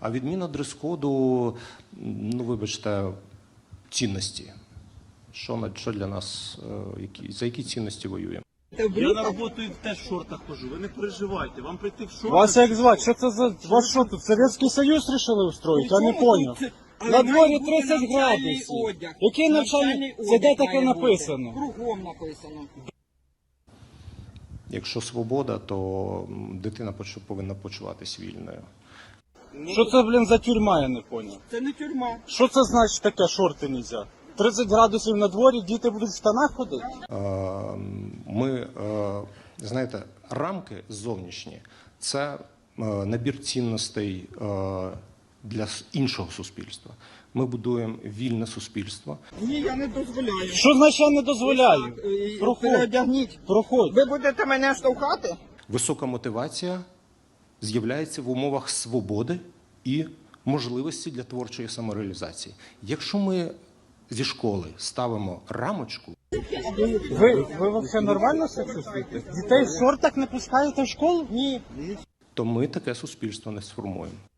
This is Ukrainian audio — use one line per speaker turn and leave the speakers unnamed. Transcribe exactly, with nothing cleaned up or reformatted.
А відміна дрес-коду, ну вибачте, цінності. Що, на- що для нас, е, які, за які цінності воюємо?
Я на роботу і теж в шортах хожу, ви не переживайте, вам прийти в шортах.
Вас як звати? Що це за... Вас що тут, Совєтський Союз рішили устроїти? Я не поняв. На дворі тридцять градусів. Який навчальний? Це де таке написано?
Кругом написано.
Якщо свобода, то дитина поч- повинна почуватись вільною.
Що це, блін, за тюрма, я не поняв.
Це не тюрма.
Що це значить таке, шорти нельзя? тридцять градусів на дворі, діти будуть в штанах ходити?
Е, Ми, е, знаєте, рамки зовнішні – це е, набір цінностей е, для с- іншого суспільства. Ми будуємо вільне суспільство.
Ні, я не дозволяю.
Що значить я не дозволяю?
Е,
Проходь,
Переодягніть.
проходь.
Ви будете мене штовхати?
Висока мотивація з'являється в умовах свободи і можливості для творчої самореалізації. Якщо ми зі школи ставимо рамочку,
Ви, ви взагалі нормально себе чувствуєте? Дітей в шортах не пускаєте в школу? Ні.
то ми таке суспільство не сформуємо.